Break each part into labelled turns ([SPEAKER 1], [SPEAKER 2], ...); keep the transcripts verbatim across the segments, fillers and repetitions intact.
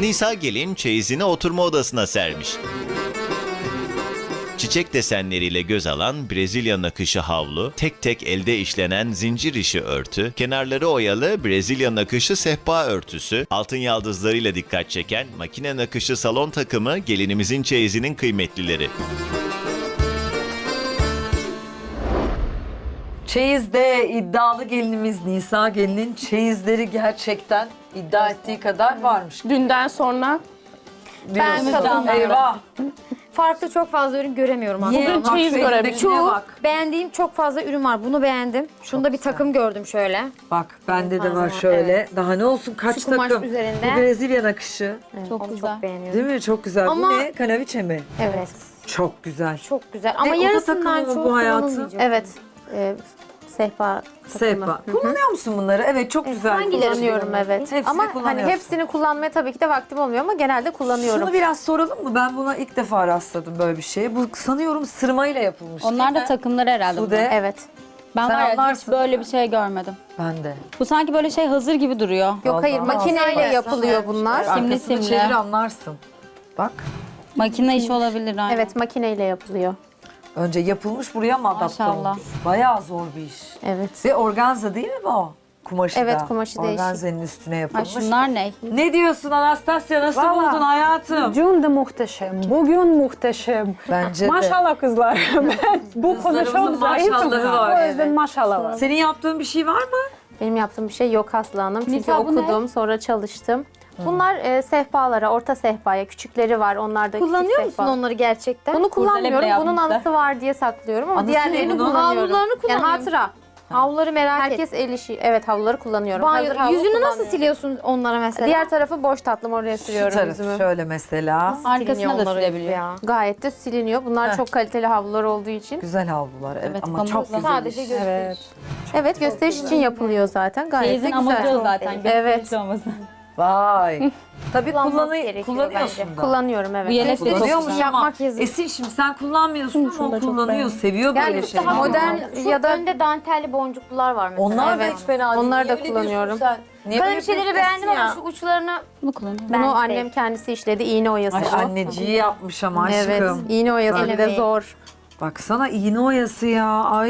[SPEAKER 1] Nisa gelin çeyizini oturma odasına sermiş. Çiçek desenleriyle göz alan Brezilya nakışı havlu, tek tek elde işlenen zincir işi örtü, kenarları oyalı Brezilya nakışı sehpa örtüsü, altın yaldızlarıyla dikkat çeken makine nakışı salon takımı gelinimizin çeyizinin kıymetlileri.
[SPEAKER 2] Çeyiz'de iddialı gelinimiz Nisa gelinin çeyizleri gerçekten iddia ettiği kadar varmış.
[SPEAKER 3] Dünden sonra
[SPEAKER 2] Ben
[SPEAKER 4] katılmıyorum.
[SPEAKER 2] Eyvah.
[SPEAKER 4] Farklı çok fazla ürün göremiyorum aslında.
[SPEAKER 3] Bugün
[SPEAKER 2] Bak
[SPEAKER 3] çeyiz
[SPEAKER 2] şu
[SPEAKER 3] görebildim.
[SPEAKER 2] elindekine
[SPEAKER 4] Çoğu
[SPEAKER 2] bak.
[SPEAKER 4] beğendiğim çok fazla ürün var. Bunu beğendim. Şunda bir takım gördüm şöyle.
[SPEAKER 2] Bak bende de var
[SPEAKER 4] Fazla,
[SPEAKER 2] şöyle.
[SPEAKER 4] evet.
[SPEAKER 2] Daha ne olsun kaç
[SPEAKER 4] Şu kumaş
[SPEAKER 2] takım.
[SPEAKER 4] üzerinde.
[SPEAKER 2] Bu Brezilya nakışı.
[SPEAKER 4] Çok Onu çok beğeniyorum.
[SPEAKER 2] Değil mi? Çok güzel.
[SPEAKER 4] Ama-
[SPEAKER 2] Bu ne? Kanaviçe mi?
[SPEAKER 4] Evet.
[SPEAKER 2] Çok güzel.
[SPEAKER 4] Çok güzel. Ama
[SPEAKER 2] oda
[SPEAKER 4] yarısından
[SPEAKER 2] takımı mı
[SPEAKER 4] çok
[SPEAKER 2] bu hayatım?
[SPEAKER 4] kullanılmayacak.
[SPEAKER 5] Evet. E, sehpa
[SPEAKER 2] Sehpa. Kullanıyor musun bunları? Evet çok güzel.
[SPEAKER 4] hangileri
[SPEAKER 5] kullanıyorum,
[SPEAKER 4] kullanıyorsun?
[SPEAKER 5] evet.
[SPEAKER 2] Hepsini
[SPEAKER 5] ama hani
[SPEAKER 2] kullanıyorsun.
[SPEAKER 5] hepsini kullanmaya tabii ki de vaktim olmuyor ama genelde kullanıyorum.
[SPEAKER 2] Şunu biraz soralım mı? Ben buna ilk defa rastladım böyle bir şeye. Bu sanıyorum sırmayla yapılmış.
[SPEAKER 6] Onlar
[SPEAKER 2] değil
[SPEAKER 6] da
[SPEAKER 2] mi?
[SPEAKER 6] takımları herhalde.
[SPEAKER 2] Sude.
[SPEAKER 6] bunlar.
[SPEAKER 5] Evet.
[SPEAKER 6] Ben
[SPEAKER 2] Sen
[SPEAKER 6] var ya hiç
[SPEAKER 2] anlarsın.
[SPEAKER 6] böyle bir şey görmedim.
[SPEAKER 2] Ben de.
[SPEAKER 6] Bu sanki böyle şey hazır gibi duruyor.
[SPEAKER 5] Yok hayır
[SPEAKER 2] Allah.
[SPEAKER 5] makineyle
[SPEAKER 4] Aslında
[SPEAKER 5] yapılıyor bunlar.
[SPEAKER 6] Simli
[SPEAKER 2] Arkasını
[SPEAKER 6] simli.
[SPEAKER 2] çevir anlarsın. Bak.
[SPEAKER 6] Makine işi olabilir aynen.
[SPEAKER 5] Evet makineyle yapılıyor.
[SPEAKER 2] Önce yapılmış buraya mı adapte
[SPEAKER 6] Maşallah.
[SPEAKER 2] olmuş? Bayağı zor bir iş.
[SPEAKER 5] Evet.
[SPEAKER 2] Ve organza değil mi bu? Kumaşı
[SPEAKER 5] Evet,
[SPEAKER 2] da.
[SPEAKER 5] kumaşı değişik.
[SPEAKER 2] Organzenin üstüne
[SPEAKER 6] Ay
[SPEAKER 2] yapılmış.
[SPEAKER 6] şunlar ne?
[SPEAKER 2] Ne diyorsun Anastasya? Nasıl
[SPEAKER 7] Vallahi-
[SPEAKER 2] buldun hayatım?
[SPEAKER 7] Dün de muhteşem, bugün muhteşem.
[SPEAKER 2] Bence de.
[SPEAKER 7] Maşallah kızlar. Ben bu konu
[SPEAKER 2] Kızlarımızın
[SPEAKER 7] çok zayıfım.
[SPEAKER 2] maşallahı var,
[SPEAKER 7] O yüzden
[SPEAKER 2] evet.
[SPEAKER 7] maşallah var.
[SPEAKER 2] Senin yaptığın bir şey var mı?
[SPEAKER 5] Benim yaptığım bir şey yok Aslı Hanım. Çünkü
[SPEAKER 6] Nisa, bu ne?
[SPEAKER 5] okudum sonra çalıştım. Bunlar e, sehpalara, orta sehpaya, küçükleri var. Onlar da
[SPEAKER 4] Kullanıyor
[SPEAKER 5] küçük
[SPEAKER 4] musun
[SPEAKER 5] sehpa.
[SPEAKER 4] onları gerçekten?
[SPEAKER 5] Bunu kullanmıyorum.
[SPEAKER 6] bile
[SPEAKER 5] Bunun
[SPEAKER 6] yapmışlar.
[SPEAKER 5] anısı var diye saklıyorum ama
[SPEAKER 2] Anısı
[SPEAKER 5] diğerlerini
[SPEAKER 2] ne bunun?
[SPEAKER 5] kullanıyorum.
[SPEAKER 4] Havlularını
[SPEAKER 5] Yani
[SPEAKER 4] kullanıyor
[SPEAKER 5] hatıra.
[SPEAKER 4] Havluları merak et.
[SPEAKER 5] Herkes el işi. Evet havluları kullanıyorum. Hazır
[SPEAKER 4] Banyo,
[SPEAKER 5] havlu
[SPEAKER 4] yüzünü nasıl
[SPEAKER 5] kullanmıyorum.
[SPEAKER 4] siliyorsun onlara mesela?
[SPEAKER 5] Diğer tarafı boş tatlım oraya
[SPEAKER 2] Şu
[SPEAKER 5] sürüyorum
[SPEAKER 2] tarafı
[SPEAKER 5] yüzümü.
[SPEAKER 2] şöyle mesela.
[SPEAKER 6] Arkasına da
[SPEAKER 4] onları
[SPEAKER 6] silebiliyor.
[SPEAKER 4] ya.
[SPEAKER 5] Gayet de siliniyor. Bunlar
[SPEAKER 2] Heh.
[SPEAKER 5] çok kaliteli havlular olduğu için.
[SPEAKER 2] Güzel havlular evet,
[SPEAKER 6] Evet,
[SPEAKER 2] ama
[SPEAKER 6] pamukla.
[SPEAKER 2] çok güzel
[SPEAKER 4] Sadece
[SPEAKER 2] iş.
[SPEAKER 4] gösteriş.
[SPEAKER 7] Evet.
[SPEAKER 5] Evet gösteriş için yapılıyor zaten. Gayet de
[SPEAKER 6] Çeyizin amacı
[SPEAKER 5] güzel.
[SPEAKER 6] o zaten.
[SPEAKER 5] Evet.
[SPEAKER 6] gösteriş olması.
[SPEAKER 2] Vay. Tabii
[SPEAKER 4] Kullanmak
[SPEAKER 2] kullanı
[SPEAKER 4] gerekiyor
[SPEAKER 2] kullanıyorsun
[SPEAKER 4] bence.
[SPEAKER 2] da.
[SPEAKER 5] Kullanıyorum evet.
[SPEAKER 6] Bu yelek de çok
[SPEAKER 2] Kullanıyormuş
[SPEAKER 6] güzel.
[SPEAKER 2] ama
[SPEAKER 4] Yapmak yazık.
[SPEAKER 2] Esin şimdi sen kullanmıyorsun ama o kullanıyor, seviyor
[SPEAKER 5] Yani
[SPEAKER 2] böyle
[SPEAKER 5] çok
[SPEAKER 2] şeyleri.
[SPEAKER 5] daha modern
[SPEAKER 4] Şu
[SPEAKER 5] ya da
[SPEAKER 4] önde dantelli boncuklular var mesela.
[SPEAKER 2] Onlar da
[SPEAKER 5] Evet.
[SPEAKER 2] hiç fena değil.
[SPEAKER 5] Onları da
[SPEAKER 2] Niye öyle diyorsun
[SPEAKER 5] kullanıyorum.
[SPEAKER 2] sen? Niye
[SPEAKER 4] Ben
[SPEAKER 2] böyle
[SPEAKER 4] bir şeyleri
[SPEAKER 2] yapıyorsun
[SPEAKER 4] beğendim
[SPEAKER 2] ya?
[SPEAKER 4] ama şu uçlarını
[SPEAKER 6] Bunu kullanıyorum.
[SPEAKER 4] Ben
[SPEAKER 5] bunu
[SPEAKER 4] de.
[SPEAKER 5] annem kendisi işledi. İğne oyası.
[SPEAKER 2] Ay
[SPEAKER 5] bu.
[SPEAKER 2] anneciği yapmış ama
[SPEAKER 5] Evet.
[SPEAKER 2] aşkım.
[SPEAKER 5] İğne oyası bir de
[SPEAKER 4] Elemeyi.
[SPEAKER 5] zor.
[SPEAKER 2] Baksana iğne oyası ya. Ay.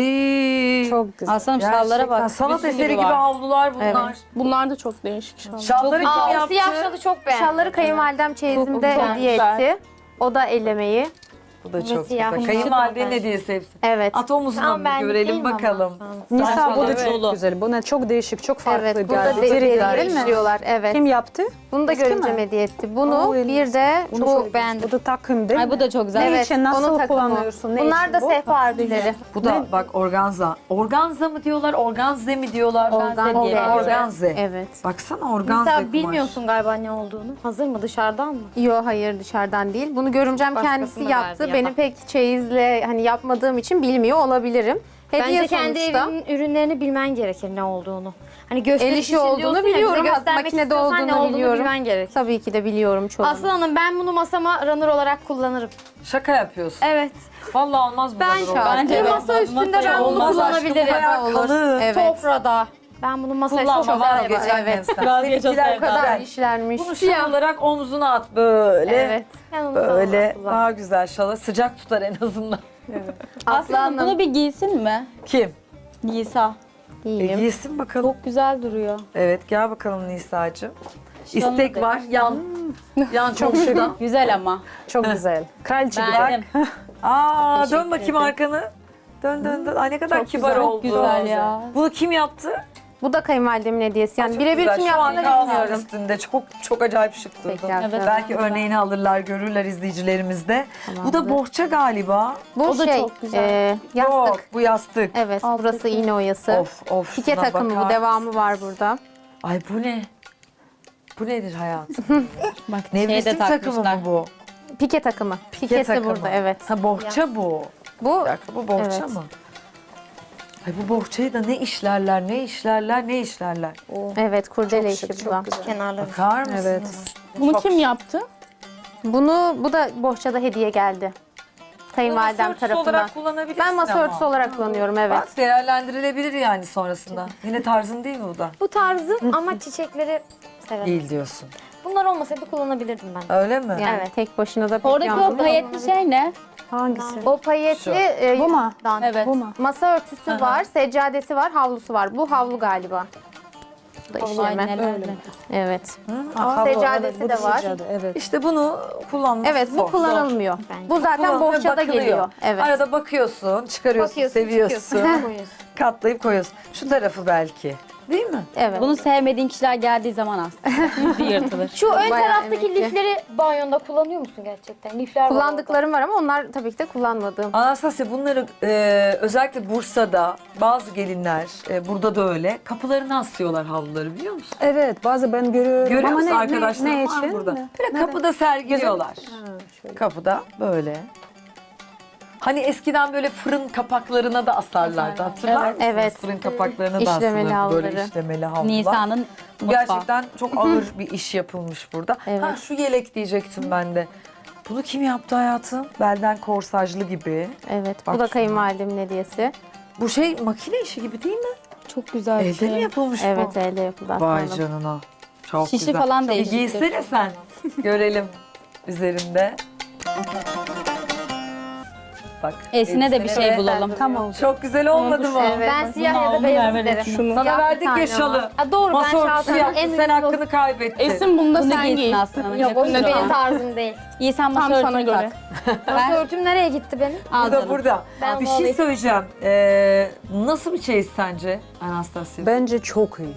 [SPEAKER 7] Çok güzel.
[SPEAKER 6] Aslanım
[SPEAKER 2] Gerçekten
[SPEAKER 6] şallara bak.
[SPEAKER 2] sanat
[SPEAKER 6] Bir sürü
[SPEAKER 2] eseri gibi
[SPEAKER 6] var.
[SPEAKER 2] havlular bunlar.
[SPEAKER 5] Evet.
[SPEAKER 3] bunlar da çok değişik şallar.
[SPEAKER 2] Şalları kim
[SPEAKER 4] Aa, o
[SPEAKER 2] yaptı?
[SPEAKER 4] siyah şalı çok beğendim.
[SPEAKER 5] Şalları kayınvalidem çeyizimde
[SPEAKER 3] güzel,
[SPEAKER 5] hediye
[SPEAKER 3] güzel.
[SPEAKER 5] etti. O da ellemeyi.
[SPEAKER 2] Bu da çok
[SPEAKER 4] siyah.
[SPEAKER 2] güzel. Kayınvalidenin hediyesi hepsi.
[SPEAKER 5] Evet.
[SPEAKER 2] At omuzuna
[SPEAKER 4] Tamam,
[SPEAKER 2] mı
[SPEAKER 4] ben
[SPEAKER 2] görelim
[SPEAKER 4] değilim ama.
[SPEAKER 2] bakalım.
[SPEAKER 7] Nisa bu da
[SPEAKER 6] Evet.
[SPEAKER 7] çok güzel. Bu ne çok değişik, çok farklı
[SPEAKER 5] Evet. Burada
[SPEAKER 7] geldi.
[SPEAKER 5] de
[SPEAKER 7] Deri
[SPEAKER 5] deri
[SPEAKER 7] değil mi?
[SPEAKER 5] işliyorlar. Evet.
[SPEAKER 7] Kim yaptı?
[SPEAKER 5] Bunu da
[SPEAKER 7] Eski
[SPEAKER 5] görümcem
[SPEAKER 7] mi?
[SPEAKER 5] hediye etti. Bunu
[SPEAKER 7] Oo,
[SPEAKER 5] bir de
[SPEAKER 7] Bunu
[SPEAKER 5] bu
[SPEAKER 7] çok beğendim. Bu da takım değil
[SPEAKER 6] Ay
[SPEAKER 7] mi?
[SPEAKER 6] bu da çok güzel.
[SPEAKER 7] Ne
[SPEAKER 5] Evet,
[SPEAKER 7] için, nasıl
[SPEAKER 5] onun takımı.
[SPEAKER 7] kullanıyorsun? Ne
[SPEAKER 5] Bunlar
[SPEAKER 7] için
[SPEAKER 5] da
[SPEAKER 7] bu?
[SPEAKER 5] sehpa örtüleri.
[SPEAKER 2] Bu da bak organza. Organza mı diyorlar, organze mi diyorlar?
[SPEAKER 5] Organze diye.
[SPEAKER 2] Organze.
[SPEAKER 5] Evet.
[SPEAKER 2] Baksana organze
[SPEAKER 4] Mesela
[SPEAKER 2] kumaş.
[SPEAKER 4] bilmiyorsun galiba ne olduğunu. Hazır mı dışarıdan mı?
[SPEAKER 5] Yo hayır dışarıdan değil. Bunu görümcem
[SPEAKER 4] Başkasına
[SPEAKER 5] kendisi
[SPEAKER 4] verdi
[SPEAKER 5] yaptı.
[SPEAKER 4] ya da.
[SPEAKER 5] Benim pek çeyizle hani yapmadığım için bilmiyor olabilirim. Hediye
[SPEAKER 4] Bence kendi
[SPEAKER 5] sonuçta.
[SPEAKER 4] evinin ürünlerini bilmen gerekir ne olduğunu. Hani
[SPEAKER 5] El
[SPEAKER 4] gösteriş
[SPEAKER 5] işi
[SPEAKER 4] için
[SPEAKER 5] olduğunu
[SPEAKER 4] diyorsun ya, bize
[SPEAKER 5] biliyorum.
[SPEAKER 4] göstermek
[SPEAKER 5] Makinede
[SPEAKER 4] istiyorsan
[SPEAKER 5] olduğunu
[SPEAKER 4] ne olduğunu
[SPEAKER 5] biliyorum.
[SPEAKER 4] bilmen gerekir.
[SPEAKER 5] Tabii ki de biliyorum çoğunu.
[SPEAKER 4] Aslı Hanım ben bunu masama runner olarak kullanırım.
[SPEAKER 2] Şaka yapıyorsun.
[SPEAKER 4] Evet.
[SPEAKER 2] Vallahi olmaz bu
[SPEAKER 4] Ben
[SPEAKER 2] kadar olmaz.
[SPEAKER 6] Bence
[SPEAKER 4] bir
[SPEAKER 6] evet,
[SPEAKER 4] masa
[SPEAKER 6] bu
[SPEAKER 4] üstünde
[SPEAKER 6] masaya
[SPEAKER 4] ben bunu
[SPEAKER 2] olmaz aşkım,
[SPEAKER 4] kullanabilirim.
[SPEAKER 2] bayağı
[SPEAKER 5] olur.
[SPEAKER 2] kalın.
[SPEAKER 5] Evet.
[SPEAKER 4] Sofrada. Ben bunu masaya çok
[SPEAKER 2] Kullanma
[SPEAKER 4] güzel
[SPEAKER 2] vazgeç
[SPEAKER 4] yaparım.
[SPEAKER 2] annem sen.
[SPEAKER 6] Vazgeç o
[SPEAKER 2] Seninkiler
[SPEAKER 6] sevdadan.
[SPEAKER 2] bu kadar.
[SPEAKER 5] kadar işlenmiş.
[SPEAKER 2] Bunu şal olarak omzuna at böyle.
[SPEAKER 5] Evet.
[SPEAKER 4] Ben onu
[SPEAKER 2] Böyle
[SPEAKER 4] kullanmam.
[SPEAKER 2] daha güzel şala sıcak tutar en azından.
[SPEAKER 5] Aslı
[SPEAKER 6] Aslanım bunu
[SPEAKER 5] Hanım.
[SPEAKER 6] bir giysin mi?
[SPEAKER 2] Kim?
[SPEAKER 6] Nisa.
[SPEAKER 2] E,
[SPEAKER 5] İyiyim.
[SPEAKER 2] giysin bakalım.
[SPEAKER 6] Çok güzel duruyor.
[SPEAKER 2] Evet gel bakalım Nisa'cığım.
[SPEAKER 6] Şalını
[SPEAKER 2] İstek
[SPEAKER 6] da-
[SPEAKER 2] var. Yan. Yan çok şurada.
[SPEAKER 6] Güzel ama.
[SPEAKER 7] Çok güzel. Kraliçe gibi.
[SPEAKER 6] Beğendim.
[SPEAKER 2] Aa dön bakayım arkanı. Dön dön dön. Ay ne kadar kibar
[SPEAKER 6] güzel,
[SPEAKER 2] oldu.
[SPEAKER 6] güzel ya.
[SPEAKER 2] Bunu kim yaptı?
[SPEAKER 5] Bu da kayınvalidemin hediyesi. Yani
[SPEAKER 2] Çok
[SPEAKER 5] birebir
[SPEAKER 2] güzel.
[SPEAKER 5] kim
[SPEAKER 2] Şu an
[SPEAKER 5] yaptığını
[SPEAKER 2] kalsın
[SPEAKER 5] bilmiyorum.
[SPEAKER 2] üstünde. Çok çok acayip şık durdu.
[SPEAKER 5] Peki,
[SPEAKER 6] Evet.
[SPEAKER 2] Belki örneğini alırlar, görürler izleyicilerimiz de. Bu da bohça galiba.
[SPEAKER 5] Bu
[SPEAKER 6] O da
[SPEAKER 5] şey,
[SPEAKER 6] çok güzel.
[SPEAKER 5] e, yastık.
[SPEAKER 2] Yok, bu yastık.
[SPEAKER 5] Evet, burası iğne oyası.
[SPEAKER 2] Of of.
[SPEAKER 5] Pike
[SPEAKER 2] şuna
[SPEAKER 5] takımı
[SPEAKER 2] bakar
[SPEAKER 5] bu, devamı var burada.
[SPEAKER 2] Ay bu ne? Bu nedir hayatım?
[SPEAKER 6] Bak
[SPEAKER 2] Nevresim takımı mı bu?
[SPEAKER 5] Pike takımı.
[SPEAKER 2] Pike
[SPEAKER 5] Pikesi
[SPEAKER 2] takımı.
[SPEAKER 5] burada, evet.
[SPEAKER 2] Ha bohça bu.
[SPEAKER 5] Bu,
[SPEAKER 2] Bir dakika bu bohça
[SPEAKER 5] Evet.
[SPEAKER 2] mı? Ay bu bohçayı da ne işlerler, ne işlerler, ne işlerler.
[SPEAKER 5] evet, kurdele işi bu da.
[SPEAKER 4] Kenarları.
[SPEAKER 2] Bakar mısınız?
[SPEAKER 7] Evet.
[SPEAKER 3] Bunu kim yaptı?
[SPEAKER 5] Bunu, bu da bohçada hediye geldi. Kayınvalidem
[SPEAKER 2] Masa örtüsü
[SPEAKER 5] tarafından.
[SPEAKER 2] olarak kullanabilirsin
[SPEAKER 5] Ben masa
[SPEAKER 2] ama.
[SPEAKER 5] örtüsü olarak kullanıyorum, evet.
[SPEAKER 2] Bak değerlendirilebilir yani sonrasında. Yine tarzın değil mi bu da?
[SPEAKER 4] Bu tarzı ama çiçekleri severim.
[SPEAKER 2] Değil diyorsun.
[SPEAKER 4] Bunları bunlar olmasaydı kullanabilirdim ben.
[SPEAKER 2] Öyle mi?
[SPEAKER 5] Yani
[SPEAKER 4] Evet.
[SPEAKER 5] tek başına da pek
[SPEAKER 6] Oradaki o
[SPEAKER 5] yalnız-
[SPEAKER 6] payetli şey ne?
[SPEAKER 7] Hangisi?
[SPEAKER 5] O payetli e,
[SPEAKER 7] Bu mu?
[SPEAKER 5] dan-
[SPEAKER 6] Evet.
[SPEAKER 7] Bu mu?
[SPEAKER 5] masa örtüsü var, seccadesi var, havlusu var. Bu havlu galiba. Bu da işleme.
[SPEAKER 6] Aynen öyle.
[SPEAKER 5] Evet.
[SPEAKER 7] Havlu,
[SPEAKER 5] Seccadesi
[SPEAKER 7] evet, bu
[SPEAKER 5] de var.
[SPEAKER 7] seccade, evet.
[SPEAKER 2] İşte bunu kullanmak
[SPEAKER 5] Evet, bu
[SPEAKER 2] zor.
[SPEAKER 5] kullanılmıyor.
[SPEAKER 4] Bence.
[SPEAKER 5] Bu zaten
[SPEAKER 2] Kullanılıyor,
[SPEAKER 5] bohçada
[SPEAKER 2] bakılıyor.
[SPEAKER 5] geliyor. Evet.
[SPEAKER 2] Arada bakıyorsun, çıkarıyorsun,
[SPEAKER 4] Bakıyorsun,
[SPEAKER 2] seviyorsun.
[SPEAKER 4] çıkıyorsun, koyuyorsun.
[SPEAKER 2] Katlayıp koyuyorsun. Şu tarafı belki. Değil mi?
[SPEAKER 5] Evet.
[SPEAKER 6] Bunu sevmediğin kişiler geldiği zaman aslında yüzü yırtılır.
[SPEAKER 4] Şu ön
[SPEAKER 5] Bayağı
[SPEAKER 4] taraftaki
[SPEAKER 5] emekli.
[SPEAKER 4] lifleri banyonda kullanıyor musun gerçekten? Lifler var orada.
[SPEAKER 5] Kullandıklarım var ama onlar tabii ki de kullanmadığım.
[SPEAKER 2] Anastasya bunları e, özellikle Bursa'da bazı gelinler, e, burada da öyle, kapılarına asıyorlar havluları biliyor musun?
[SPEAKER 7] Evet, bazı ben görüyorum.
[SPEAKER 2] Görüyor
[SPEAKER 7] Ama
[SPEAKER 2] musun
[SPEAKER 7] ne,
[SPEAKER 2] arkadaşlar?
[SPEAKER 7] ne, ne
[SPEAKER 2] var
[SPEAKER 7] için?
[SPEAKER 2] burada.
[SPEAKER 7] Ne?
[SPEAKER 2] Böyle kapıda sergiliyorlar.
[SPEAKER 7] şöyle.
[SPEAKER 2] Kapıda böyle. Hani eskiden böyle fırın kapaklarına da asarlardı. Hatırlar
[SPEAKER 6] Evet,
[SPEAKER 2] mısınız?
[SPEAKER 5] evet.
[SPEAKER 2] Fırın kapaklarına da
[SPEAKER 5] İşlemeli
[SPEAKER 2] asılırdı böyle
[SPEAKER 5] havluları.
[SPEAKER 2] işlemeli havlular.
[SPEAKER 6] Nisan'ın
[SPEAKER 2] Bu
[SPEAKER 6] mutfağı.
[SPEAKER 2] gerçekten çok ağır bir iş yapılmış burada.
[SPEAKER 5] Evet.
[SPEAKER 2] Ha şu yelek diyecektim ben de. Bunu kim yaptı hayatım? Belden korsajlı gibi.
[SPEAKER 5] Evet.
[SPEAKER 2] Bak
[SPEAKER 5] Bu da
[SPEAKER 2] şuna.
[SPEAKER 5] kayınvalidemin hediyesi.
[SPEAKER 2] Bu şey makine işi gibi değil mi?
[SPEAKER 6] Çok güzel bir
[SPEAKER 2] Elde
[SPEAKER 6] şey.
[SPEAKER 2] mi yapılmış
[SPEAKER 5] Evet,
[SPEAKER 2] bu?
[SPEAKER 5] elde yapıldı
[SPEAKER 2] Vay
[SPEAKER 5] aslında.
[SPEAKER 2] canına. Çok
[SPEAKER 6] Şişi
[SPEAKER 2] güzel.
[SPEAKER 6] falan
[SPEAKER 2] Bir
[SPEAKER 6] değişiktir.
[SPEAKER 2] giysene sen. Görelim üzerinde. Bak.
[SPEAKER 6] Esine de bir
[SPEAKER 2] elbisene
[SPEAKER 6] şey
[SPEAKER 2] de-
[SPEAKER 6] bulalım.
[SPEAKER 7] Tamam.
[SPEAKER 2] Çok güzel olmadı mı?
[SPEAKER 5] Evet.
[SPEAKER 4] Ben siyah
[SPEAKER 6] Bunu
[SPEAKER 4] ya da
[SPEAKER 6] aldım,
[SPEAKER 4] beyaz
[SPEAKER 6] ver, ver,
[SPEAKER 4] isterim.
[SPEAKER 6] şunu.
[SPEAKER 2] Sana
[SPEAKER 5] Siyah bir
[SPEAKER 2] verdik ya
[SPEAKER 5] tane
[SPEAKER 2] şalı.
[SPEAKER 5] var.
[SPEAKER 4] Ha, doğru ben
[SPEAKER 2] Masa örtüsü
[SPEAKER 4] şaltım.
[SPEAKER 2] yaptın,
[SPEAKER 4] En
[SPEAKER 2] sen
[SPEAKER 4] uygun-
[SPEAKER 2] hakkını kaybettin.
[SPEAKER 3] Esin bunu da
[SPEAKER 6] Bunu
[SPEAKER 3] sen
[SPEAKER 6] giysin
[SPEAKER 3] giy.
[SPEAKER 6] aslında.
[SPEAKER 4] Yok o
[SPEAKER 6] Yakışır
[SPEAKER 4] benim
[SPEAKER 6] ona.
[SPEAKER 4] tarzım değil.
[SPEAKER 6] İyi sen
[SPEAKER 3] Tam
[SPEAKER 6] masa
[SPEAKER 3] sana
[SPEAKER 6] örtünü
[SPEAKER 3] göre.
[SPEAKER 6] tak.
[SPEAKER 4] Masa örtüm nereye gitti benim?
[SPEAKER 6] Al
[SPEAKER 2] Burada
[SPEAKER 6] canım.
[SPEAKER 2] burada.
[SPEAKER 4] Ben
[SPEAKER 2] bir
[SPEAKER 4] onu
[SPEAKER 2] şey
[SPEAKER 4] alayım.
[SPEAKER 2] söyleyeceğim. Ee, nasıl bir çeyiz sence Anastasya?
[SPEAKER 7] Bence çok iyi.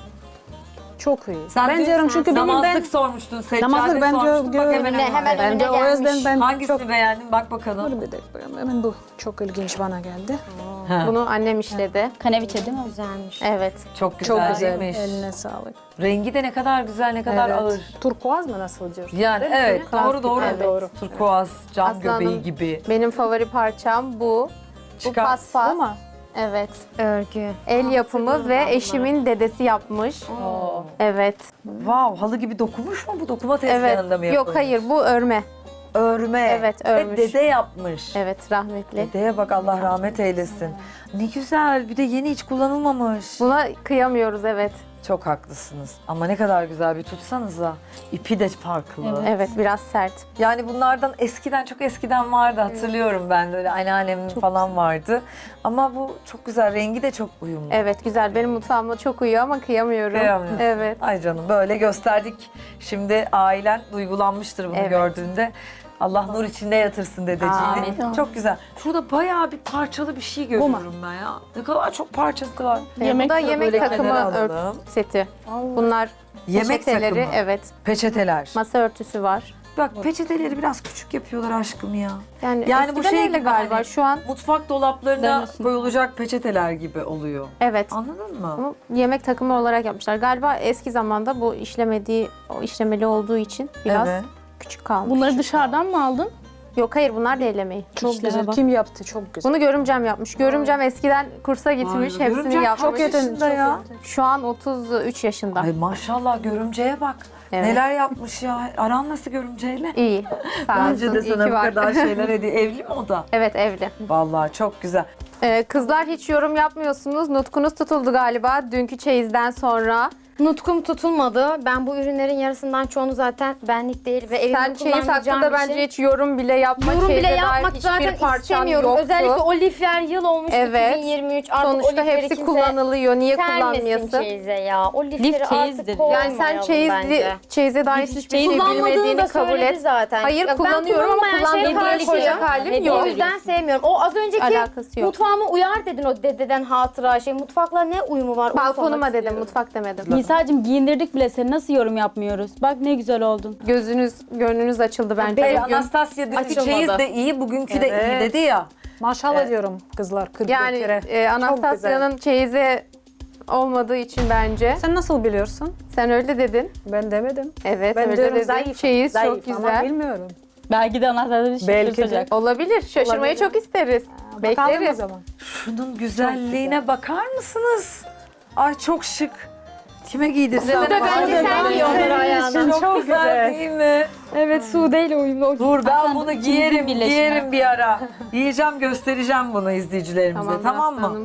[SPEAKER 7] Çok iyi.
[SPEAKER 2] Sen
[SPEAKER 7] ben
[SPEAKER 2] dün
[SPEAKER 7] diyorum çünkü benim
[SPEAKER 2] namazlık
[SPEAKER 7] ben
[SPEAKER 2] sormuştun, seccade
[SPEAKER 7] namazlık ben
[SPEAKER 2] sormuştun. Bak
[SPEAKER 7] gö-
[SPEAKER 2] hemen
[SPEAKER 4] Ne,
[SPEAKER 2] hemen.
[SPEAKER 4] hemen
[SPEAKER 7] ben de
[SPEAKER 4] önüne
[SPEAKER 7] o yüzden
[SPEAKER 4] gelmiş.
[SPEAKER 7] ben
[SPEAKER 2] Hangisini
[SPEAKER 7] çok
[SPEAKER 2] beğendin? Bak bakalım.
[SPEAKER 7] Dur bir dakika. Hemen bu çok ilginç bana geldi.
[SPEAKER 5] Bunu annem işledi.
[SPEAKER 6] Kaneviçe değil mi?
[SPEAKER 4] Güzelmiş.
[SPEAKER 5] Evet.
[SPEAKER 2] Çok güzel,
[SPEAKER 7] Çok güzel.
[SPEAKER 2] değilmiş?
[SPEAKER 7] Eline sağlık.
[SPEAKER 2] Rengi de ne kadar güzel, ne kadar
[SPEAKER 7] Evet.
[SPEAKER 2] ağır.
[SPEAKER 7] Turkuaz mı nasıl diyor?
[SPEAKER 2] Yani evet,
[SPEAKER 5] Turkuaz
[SPEAKER 2] doğru doğru.
[SPEAKER 5] gibi, evet.
[SPEAKER 2] Turkuaz, cam
[SPEAKER 5] Aslı
[SPEAKER 2] göbeği
[SPEAKER 5] Hanım.
[SPEAKER 2] gibi.
[SPEAKER 5] Benim favori parçam bu. Bu
[SPEAKER 2] Çıkar.
[SPEAKER 5] paspas.
[SPEAKER 7] Bu mu?
[SPEAKER 5] Evet.
[SPEAKER 4] Örgü.
[SPEAKER 5] El yapımı ve eşimin dedesi yapmış. Evet.
[SPEAKER 2] Wow, halı gibi dokumuş mu bu? Dokuma
[SPEAKER 5] Evet.
[SPEAKER 2] tezgahında mı yapılmış?
[SPEAKER 5] Yok hayır bu örme.
[SPEAKER 2] Örme.
[SPEAKER 5] Evet,
[SPEAKER 2] Ve
[SPEAKER 5] örmüş.
[SPEAKER 2] dede yapmış.
[SPEAKER 5] Evet rahmetli.
[SPEAKER 2] Dedeye bak, Allah rahmet eylesin. Ne güzel, bir de yeni hiç kullanılmamış.
[SPEAKER 5] Buna kıyamıyoruz evet.
[SPEAKER 2] Çok haklısınız. Ama ne kadar güzel, bir tutsanıza. İpi de farklı.
[SPEAKER 5] Evet biraz sert.
[SPEAKER 2] Yani bunlardan eskiden, çok eskiden vardı, hatırlıyorum ben de, öyle anneannemin falan vardı. Ama bu çok güzel, rengi de çok uyumlu.
[SPEAKER 5] Evet güzel. Benim mutfağıma çok uyuyor ama kıyamıyorum.
[SPEAKER 2] Kıyamıyorsun.
[SPEAKER 5] Evet.
[SPEAKER 2] Ay canım, böyle gösterdik. Şimdi ailen duygulanmıştır bunu
[SPEAKER 5] Evet.
[SPEAKER 2] gördüğünde. Allah nur içinde yatırsın dedeciğini.
[SPEAKER 6] Amin.
[SPEAKER 2] Çok güzel. Şurada bayağı bir parçalı bir şey görüyorum ben ya. Ne kadar çok parçası var.
[SPEAKER 5] Yemek bu da
[SPEAKER 3] Yemek
[SPEAKER 5] yemek
[SPEAKER 2] böyle
[SPEAKER 5] takımı
[SPEAKER 2] kenara
[SPEAKER 5] ört
[SPEAKER 2] alalım.
[SPEAKER 5] seti. Bunlar
[SPEAKER 2] Yemek
[SPEAKER 5] peçeteleri,
[SPEAKER 2] takımı.
[SPEAKER 5] evet.
[SPEAKER 2] Peçeteler.
[SPEAKER 5] Masa örtüsü var.
[SPEAKER 2] Bak peçeteleri biraz küçük yapıyorlar aşkım ya.
[SPEAKER 5] Yani,
[SPEAKER 2] Yani bu
[SPEAKER 5] eskiden
[SPEAKER 2] şey
[SPEAKER 5] öyle
[SPEAKER 2] gibi
[SPEAKER 5] galiba.
[SPEAKER 2] hani-
[SPEAKER 5] Şu an
[SPEAKER 2] Mutfak dolaplarına
[SPEAKER 6] Dönüyorsun.
[SPEAKER 2] koyulacak peçeteler gibi oluyor.
[SPEAKER 5] evet.
[SPEAKER 2] Anladın mı?
[SPEAKER 5] Ama yemek takımı olarak yapmışlar. Galiba eski zamanda bu işlemediği, o işlemeli olduğu için biraz
[SPEAKER 2] Evet.
[SPEAKER 5] küçük kalmış.
[SPEAKER 3] Bunları dışarıdan mı aldın?
[SPEAKER 5] Yok hayır bunlar da el emeği.
[SPEAKER 7] Çok
[SPEAKER 6] İşlere
[SPEAKER 7] güzel.
[SPEAKER 6] bak.
[SPEAKER 7] Kim yaptı? Çok güzel.
[SPEAKER 5] Bunu görümcem yapmış. Görümcem eskiden kursa gitmiş,
[SPEAKER 2] Vay be,
[SPEAKER 5] hepsini
[SPEAKER 2] görümcem
[SPEAKER 5] yapmış.
[SPEAKER 2] kaç yaşında ya?
[SPEAKER 5] Şu an otuz üç yaşında.
[SPEAKER 2] Ay maşallah, görümceye bak.
[SPEAKER 5] Evet.
[SPEAKER 2] Neler yapmış ya. Aran nasıl görümceyle?
[SPEAKER 5] İyi. Sağ
[SPEAKER 2] Bence de
[SPEAKER 5] olsun, iyi
[SPEAKER 2] sana
[SPEAKER 5] ki
[SPEAKER 2] bu
[SPEAKER 5] var.
[SPEAKER 2] kadar şeyler hediye. Evli mi o da?
[SPEAKER 5] Evet evli.
[SPEAKER 2] Vallahi çok güzel.
[SPEAKER 5] Ee, kızlar hiç yorum yapmıyorsunuz. Nutkunuz tutuldu galiba dünkü çeyizden sonra.
[SPEAKER 4] Nutkum tutulmadı. Ben bu ürünlerin yarısından çoğunu zaten benlik değil ve evimde
[SPEAKER 5] Sen çeyiz
[SPEAKER 4] kullanmayacağım
[SPEAKER 5] hakkında
[SPEAKER 4] bir
[SPEAKER 5] bence
[SPEAKER 4] şey.
[SPEAKER 5] hiç yorum bile yapma.
[SPEAKER 4] Yorum bile
[SPEAKER 5] Çeyize dair
[SPEAKER 4] yapmak
[SPEAKER 5] hiçbir
[SPEAKER 4] zaten
[SPEAKER 5] parçan
[SPEAKER 4] istemiyorum.
[SPEAKER 5] yoktu.
[SPEAKER 4] Özellikle o lifler yıl olmuş
[SPEAKER 5] Evet.
[SPEAKER 4] iki bin yirmi üç. Artık o
[SPEAKER 5] Sonuçta
[SPEAKER 4] lifleri
[SPEAKER 5] hepsi
[SPEAKER 4] kimse
[SPEAKER 5] kullanılıyor. Niye
[SPEAKER 4] sermesin
[SPEAKER 5] kullanmıyorsun?
[SPEAKER 4] çeyize ya. O lifleri
[SPEAKER 6] Lif çeyizdir.
[SPEAKER 4] artık koymayalım
[SPEAKER 5] Yani sen çeyizli,
[SPEAKER 4] bence.
[SPEAKER 5] çeyize dair
[SPEAKER 6] Lif
[SPEAKER 5] hiçbir
[SPEAKER 6] çeyiz
[SPEAKER 5] şey
[SPEAKER 4] Kullanmadığını
[SPEAKER 5] bilmediğini
[SPEAKER 4] da
[SPEAKER 5] kabul
[SPEAKER 4] söyledi
[SPEAKER 5] et.
[SPEAKER 4] zaten.
[SPEAKER 5] Hayır,
[SPEAKER 4] Ya ben
[SPEAKER 5] kullanıyorum ama
[SPEAKER 4] kullanmayan şeye
[SPEAKER 5] kullandığımı
[SPEAKER 4] karşıyım.
[SPEAKER 5] koyacak halim
[SPEAKER 4] Hediye
[SPEAKER 5] yok.
[SPEAKER 4] O yüzden sevmiyorum. O az önceki
[SPEAKER 5] Alakası yok.
[SPEAKER 4] mutfağıma uyar dedin, o dededen hatıra şey. Mutfakla ne uyumu var? Onu
[SPEAKER 5] Balkonuma
[SPEAKER 4] sormak
[SPEAKER 5] dedim,
[SPEAKER 4] istiyorum.
[SPEAKER 5] mutfak demedim.
[SPEAKER 6] Nisa'cığım giyindirdik bile seni, nasıl yorum yapmıyoruz? Bak ne güzel oldun.
[SPEAKER 5] Gözünüz, gönlünüz açıldı bence.
[SPEAKER 2] Ee,
[SPEAKER 5] bugün.
[SPEAKER 2] Anastasya dünkü
[SPEAKER 4] Açılmadı.
[SPEAKER 2] çeyiz de iyi, bugünkü de iyi
[SPEAKER 5] Evet.
[SPEAKER 2] dedi ya.
[SPEAKER 7] Maşallah diyorum kızlar. kırk
[SPEAKER 5] Yani
[SPEAKER 7] kere.
[SPEAKER 5] e, Anastasya'nın çeyizi olmadığı için bence.
[SPEAKER 7] Sen nasıl biliyorsun?
[SPEAKER 5] Sen öyle dedin.
[SPEAKER 7] Ben demedim.
[SPEAKER 5] Evet,
[SPEAKER 7] Ben
[SPEAKER 5] öyle
[SPEAKER 7] diyorum
[SPEAKER 5] dedin.
[SPEAKER 7] zayıf.
[SPEAKER 5] Çeyiz
[SPEAKER 7] zayıf
[SPEAKER 5] çok
[SPEAKER 7] ama
[SPEAKER 5] güzel.
[SPEAKER 7] bilmiyorum.
[SPEAKER 6] Belki de anahtarları
[SPEAKER 7] Belki de.
[SPEAKER 6] şaşırtacak.
[SPEAKER 5] Olabilir. Şaşırmayı
[SPEAKER 7] Olabilir.
[SPEAKER 5] çok isteriz.
[SPEAKER 7] Bakalım o
[SPEAKER 5] Bekleriz.
[SPEAKER 7] zaman.
[SPEAKER 2] Şunun güzelliğine bakar mısınız? Ay çok şık. Kime giydirsem?
[SPEAKER 4] Bu da bence sen giy onları ayağına.
[SPEAKER 2] Çok,
[SPEAKER 7] Çok
[SPEAKER 2] güzel,
[SPEAKER 7] güzel.
[SPEAKER 2] değil mi?
[SPEAKER 4] Evet, Sude ile uyumlu.
[SPEAKER 2] Dur ben
[SPEAKER 6] Hasan,
[SPEAKER 2] bunu
[SPEAKER 6] ikinizin
[SPEAKER 2] giyerim,
[SPEAKER 6] birleşimi.
[SPEAKER 2] giyerim bir ara. Giyeceğim, göstereceğim bunu izleyicilerimize, tamam,
[SPEAKER 5] Tamam,
[SPEAKER 2] mı?
[SPEAKER 5] aslanım.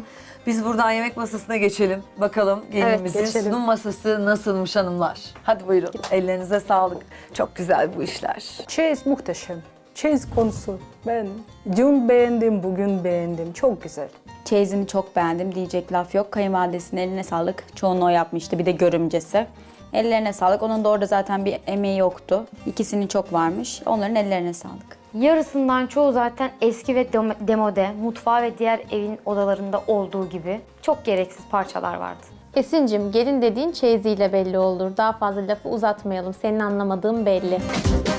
[SPEAKER 2] Biz buradan yemek masasına geçelim. Bakalım gelinimizin
[SPEAKER 7] geçelim.
[SPEAKER 2] sunum masası nasılmış hanımlar. Hadi buyurun. Ellerinize sağlık. Çok güzel bu işler.
[SPEAKER 7] Çeyiz muhteşem. Çeyiz konusu. Ben dün beğendim, bugün beğendim. Çok güzel.
[SPEAKER 6] Çeyizini çok beğendim. Diyecek laf yok. Kayınvalidesinin eline sağlık. Çoğunu o yapmıştı. Bir de görümcesi. Ellerine sağlık. Onun da orada zaten bir emeği yoktu. İkisinin çok varmış. Onların ellerine sağlık.
[SPEAKER 4] Yarısından çoğu zaten eski ve dem- demode, mutfağı ve diğer evin odalarında olduğu gibi çok gereksiz parçalar vardı.
[SPEAKER 5] Esin'cim gelin dediğin çeyiziyle belli olur. Daha fazla lafı uzatmayalım. Senin anlamadığın belli.